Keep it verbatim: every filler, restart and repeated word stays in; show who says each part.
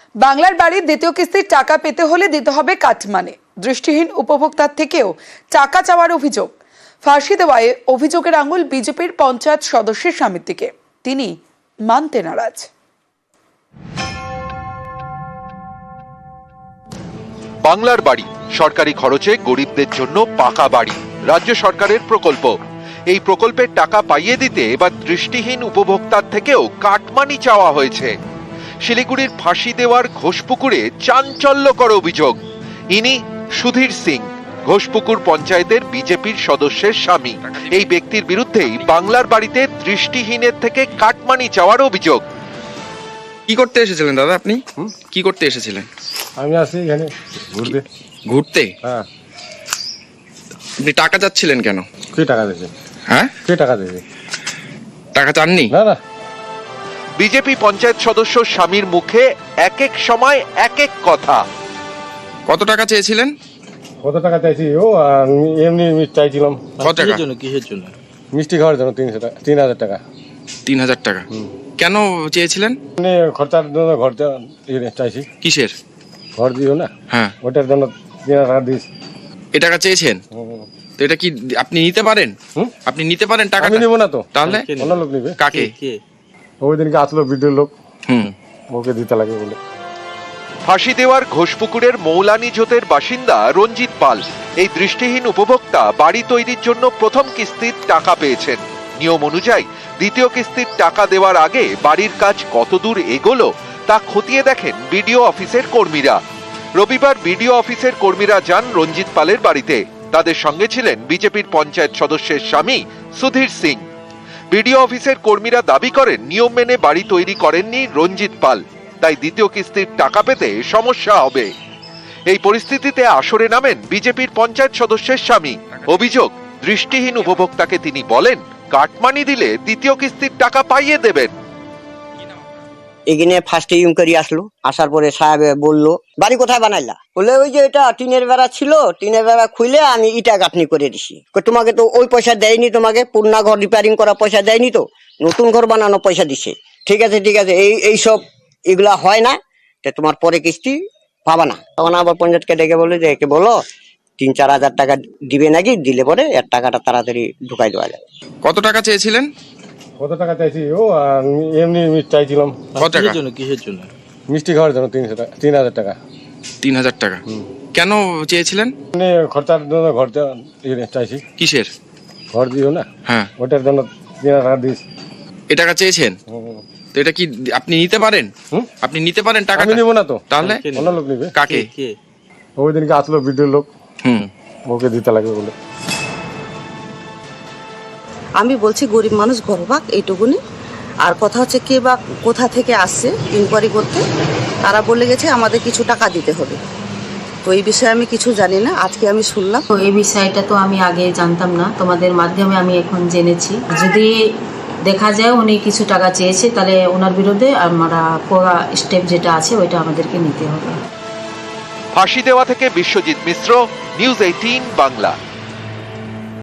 Speaker 1: বাংলার বাড়ির দ্বিতীয় কিস্তির টাকা পেতে হলে দিতে হবে কাটমানি। দৃষ্টিহীন উপভোক্তার থেকেও টাকা চাওয়ার অভিযোগ। ফাঁসি দেওয়ায় অভিযোগের আঙুল বিজেপির পঞ্চায়েত সদস্যের স্বামীর দিকে। তিনি মানতে নারাজ।
Speaker 2: বাংলার বাড়ি সরকারি খরচে গরিবদের জন্য পাকা বাড়ি রাজ্য সরকারের প্রকল্প। এই প্রকল্পের টাকা পাইয়ে দিতে এবার দৃষ্টিহীন উপভোক্তার থেকেও কাটমানি চাওয়া হয়েছে। শিলিগুড়ির ফাঁসি দেওয়ার ঘোষপুকুরে চাঞ্চল্যকর অভিযোগ। ইনি সুধীর সিং, ঘোষপুকুর পঞ্চায়েতের বিজেপির সদস্যের স্বামী। এই ব্যক্তির বিরুদ্ধেই বাংলার বাড়িতে দৃষ্টিহীনের থেকে কাটমানি চাওয়ার অভিযোগ।
Speaker 3: কি করতে এসেছিলেন দাদা আপনি? কি করতে এসেছিলেন?
Speaker 4: আমি আসি এখানে ঘুরতে।
Speaker 3: ঘুরতে?
Speaker 4: হ্যাঁ।
Speaker 3: আপনি টাকা চাচ্ছিলেন কেন?
Speaker 4: কে টাকা দিয়েছে?
Speaker 3: হ্যাঁ,
Speaker 4: কে টাকা দিয়েছে?
Speaker 3: টাকা চাননি?
Speaker 4: না না।
Speaker 2: বিজেপি পঞ্চায়েত সদস্য স্বামীর মুখে এক এক সময় এক এক কথা।
Speaker 3: কত টাকা চেয়েছিলেন?
Speaker 4: কত টাকা চাইছি? ও আমি এমনি মিষ্টি চাইছিলাম।
Speaker 3: কত টাকা?
Speaker 5: জন্য কিসের জন্য?
Speaker 4: মিষ্টি খাওয়ার জন্য তিনশো টাকা, তিন হাজার টাকা।
Speaker 3: তিন হাজার টাকা কেন চেয়েছিলেন?
Speaker 4: এমনি খরচার জন্য ঘর চাইছি।
Speaker 3: কিসের
Speaker 4: ঘর দিও না,
Speaker 3: হ্যাঁ,
Speaker 4: ওটার জন্য তিন হাজার টাকা দিস।
Speaker 3: এ টাকা চেয়েছেন তো এটা কি আপনি নিতে পারেন? আপনি নিতে পারেন টাকা?
Speaker 4: আমি নিব না তো।
Speaker 3: তাহলে
Speaker 4: অন্য লোক নিবে।
Speaker 3: কাকে?
Speaker 5: কে?
Speaker 4: ওই দিনকে আসলো ভিডিও লোক,
Speaker 3: হুম,
Speaker 4: ওকে দিতে লাগে বলে।
Speaker 2: ফাঁসি দেওয়ার ঘোষপুকুরের মৌলানি জোতের বাসিন্দা রঞ্জিত পাল এই দৃষ্টিহীন উপভোক্তা বাড়ি তৈরির জন্য প্রথম কিস্তির টাকা পেয়েছেন। নিয়ম অনুযায়ী দ্বিতীয় কিস্তির টাকা দেওয়ার আগে বাড়ির কাজ কতদূর এগোলো তা খতিয়ে দেখেন বিডিও অফিসের কর্মীরা। রবিবার বিডিও অফিসের কর্মীরা যান রঞ্জিত পালের বাড়িতে। তাদের সঙ্গে ছিলেন বিজেপির পঞ্চায়েত সদস্যের স্বামী সুধীর সিং। বিডিও অফিসের কর্মীরা দাবি করেন নিয়ম মেনে বাড়ি তৈরি করেননি রঞ্জিত পাল, তাই দ্বিতীয় কিস্তির টাকা পেতে সমস্যা হবে। এই পরিস্থিতিতে আসরে নামেন বিজেপির পঞ্চায়েত সদস্যের স্বামী। অভিযোগ, দৃষ্টিহীন উপভোক্তাকে তিনি বলেন কাটমানি দিলে দ্বিতীয় কিস্তির টাকা পাইয়ে দেবেন।
Speaker 6: এখানে ফার্স্টে ইনকোয়ারি আসলো, আসার পরে সাহেব বললো বাড়ি কোথায় বানাইলা? বলে ওই যে এটা টিনের বেড়া ছিল, টিনের বেড়া খুলে আমি ইটা গাঁথনি করে দিছি। তোমাকে তো ওই পয়সা দেয়নি, তোমাকে পুরনা ঘর রিপেয়ারিং করা পয়সা দেয়নি, তো নতুন ঘর বানানো পয়সা দিছে। ঠিক আছে ঠিক আছে, এই এইসব এগুলা হয় না, তোমার পরে কিস্তি পাবা না। তখন আবার পঞ্চায়েতকে ডেকে বলে যে একে বলো তিন চার হাজার টাকা দিবে নাকি, দিলে পরে এর টাকাটা তাড়াতাড়ি ঢুকাই দেওয়া যাবে।
Speaker 3: কত টাকা চেয়েছিলেন?
Speaker 4: কত টাকা চাইছি? ও আমি এমনি মিষ্টি চাইছিলাম।
Speaker 3: কত টাকা?
Speaker 5: জন্য কিসের জন্য?
Speaker 4: মিষ্টি খাওয়ার জন্য তিনশো টাকা, তিন হাজার টাকা।
Speaker 3: তিন হাজার টাকা কেন চেয়েছিলেন?
Speaker 4: এমনি খরচার জন্য ঘর চাইছি।
Speaker 3: কিসের?
Speaker 4: ঘর দিও না,
Speaker 3: হ্যাঁ,
Speaker 4: ওটার জন্য তিন হাজার টাকা দিস।
Speaker 3: এ টাকা চেয়েছেন তো এটা কি আপনি নিতে পারেন? আপনি নিতে পারেন টাকা?
Speaker 4: আমি নিব না তো।
Speaker 3: তাহলে
Speaker 4: অন্য লোক নিবে।
Speaker 3: কাকে?
Speaker 5: কে?
Speaker 4: ওই দিনকে আসলো ভিডিও লোক,
Speaker 3: হুম,
Speaker 4: ওকে দিতে লাগে বলে।
Speaker 7: আমি বলছি গরিব মানুষ ঘরবাক এইটুকুনি। আর কথা হচ্ছে কে বা কোথা থেকে আসছে ইনকোয়ারি করতে, তারা বলে গেছে আমাদের কিছু টাকা দিতে হবে। তো এই বিষয়ে আমি কিছু জানি না, আজকে আমি শুনলাম।
Speaker 8: তো এই বিষয়টা তো আমি আগে জানতাম না, তোমাদের মাধ্যমে আমি এখন জেনেছি। যদি দেখা যায় উনি কিছু টাকা চেয়েছে তাহলে ওনার বিরুদ্ধে আমরা পুরো স্টেপ যেটা আছে ওইটা আমাদেরকে নিতে হবে।
Speaker 2: ফাঁসি দেওয়া থেকে বিশ্বজিৎ মিশ্র, নিউজ এইটিন বাংলা।